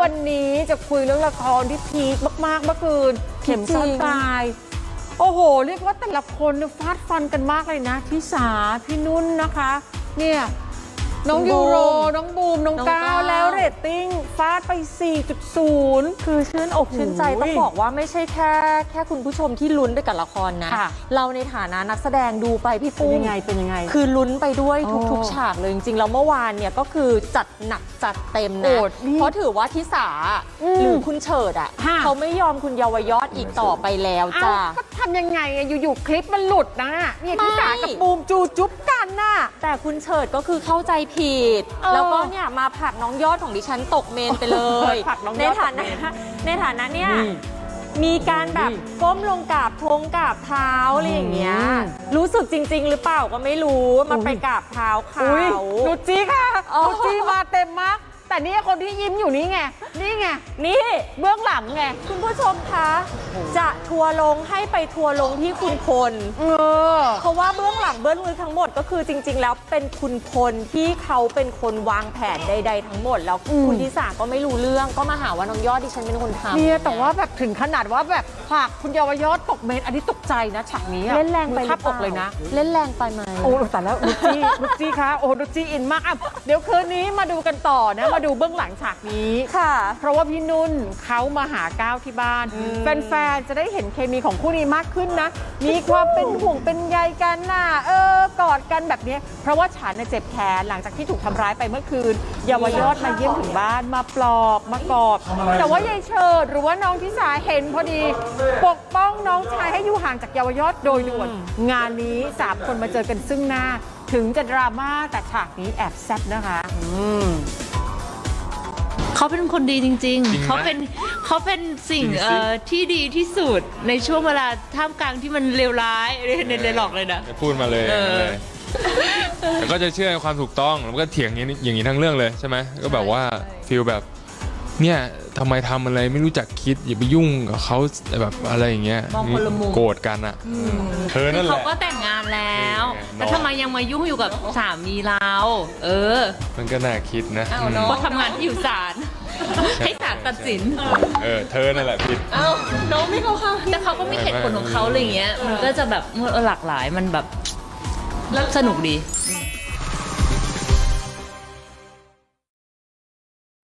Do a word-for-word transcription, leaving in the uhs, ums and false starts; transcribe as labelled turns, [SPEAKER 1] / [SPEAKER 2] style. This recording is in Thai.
[SPEAKER 1] วันนี้จะคุยเรื่องละครที่พีคมากๆเมื่อคืนเข็มซ่อนปลายโอ้โหเรียกว่าแต่ละคนฟาดฟันกันมากเลยนะทิสาพี่นุ่นนะคะเนี่ยน้องยูโรน้องบูมน้องก้าวแล้วเรตติ้งฟาดไป สี่จุดศูนย์
[SPEAKER 2] คือชื่นอกชื่นใจต้องบอกว่าไม่ใช่แค่แค่คุณผู้ชมที่ลุ้นไปกับละครนะเราในฐานะนักแสดงดูไปพี่ปุ้ม
[SPEAKER 1] ยังไงเป็นยังไง
[SPEAKER 2] คือลุ้นไปด้วยทุกๆฉากเลยจริงๆแล้วเมื่อวานเนี่ยก็คือจัดหนักจัดเต็มนะเพราะถือว่าทิสาหรือคุณเฉิดอ่ะเขาไม่ยอมคุณเยาวยอดอีกต่อไปแล้วจ้า
[SPEAKER 1] ก็ทำยังไงอยู่ๆคลิปมันหลุดนะเนี่ยทิสากับบูมจูจุ๊บกันน่ะ
[SPEAKER 2] แต่คุณเฉิดก็คือเข้าใจผิดแล้วก็เนี่ยมาผลักน้องยอดของดิฉันตกเมนไปเลยในฐานะในฐานะเนี่ยมีการแบบก้มลงกราบทงกราบเท้าอะไรอย่างเงี้ยรู้สึกจริงๆหรือเปล่าก็ไม่รู้มาไปกราบเท้าเขา
[SPEAKER 1] นุจีค่ะนุจีมาเต็มมากแต่นี่คนที่ยิ้มอยู่นี่ไงนี่ไงนี่เบื้องหลังไง
[SPEAKER 2] คุณผู้ชมคะจะทัวร์ลงให้ไปทัวร์ลงที่คุณพลเพราะว่าเบื้องหลังเบื้องลึกทั้งหมดก็คือจริงๆแล้วเป็นคุณพลที่เขาเป็นคนวางแผนใดๆทั้งหมดแล้วคุณทิสาก็ไม่รู้เรื่องก็มาหาว่าน้องยอดดิฉันเป็นคนทำ
[SPEAKER 1] เนี่ยแต่ว่าแบบถึงขนาดว่าแบบผลักคุณเยาวยอดตกเมนอันนี้ตกใจนะฉากนี้
[SPEAKER 2] เล่นแรงไป
[SPEAKER 1] ทับอกเลยนะ
[SPEAKER 2] เล่นแรงไปไหม
[SPEAKER 1] โอ้แต่แล้วนุจีนุจีคะโอ้นุจีอินมากอ่ะเดี๋ยวคืนนี้มาดูกันต่อนะมาดูเบื้องหลังฉากนี้
[SPEAKER 2] ค่ะ
[SPEAKER 1] เพราะว่าพี่นุ่นเขามาหาก้าวที่บ้านแฟนๆจะได้เห็นเคมีของคู่นี้มากขึ้นนะมีความเป็นห่วงเป็นใยกันน่ะเออกอดกันแบบนี้เพราะว่าฉันเจ็บแขนหลังจากที่ถูกทำร้ายไปเมื่อคืนเยาวยอดมาเยี่ยมถึงบ้านมาปลอบมากอดแต่ว่ายายเฉิดหรือว่าน้องทิสาเห็นพอดีปกป้องน้องชายให้อยู่ห่างจากเยาวยอดโดยด่วนงานนี้สามคนมาเจอกันซึ่งหน้าถึงจะดราม่าแต่ฉากนี้แอบแซ่บนะคะอืม
[SPEAKER 3] เขาเป็นคนดีจริงๆ เขาเป็นเขาเป็นสิ่งที่ดีที่สุดในช่วงเวลาท่ามกลางที่มันเลวร้ายเรียนเรียนหลอกเลยนะ
[SPEAKER 4] พูดมาเลยแต่ก็จะเชื่อในความถูกต้องแล้วก็เถียงอย่างนี้อย่างนี้ทั้งเรื่องเลยใช่ไหมก็แบบว่าฟีลแบบเนี่ยทำไมทำอะไรไม่รู้จักคิดอย่าไปยุ่งกับเขาแบบอะไรอย่างเงี้ยโกรธกันอ่ะเธอนั่นแหละ
[SPEAKER 3] เขาก็แต่งงานแล้วแต่ทำไมยังมายุ่งอยู่กับสามีเราเออ
[SPEAKER 4] มันก็น่าคิดนะ
[SPEAKER 3] เพราะทำงานที่อยู่ศาลให้ศาลตัดสิน
[SPEAKER 4] เออเธอนั่นแหละผิด
[SPEAKER 3] เอ้าน้องไม่เข้าข้างแต่เขาก็มีเหตุผลของเขาอะไรเงี้ยมันก็จะแบบหลากหลายมันแบบสนุกดี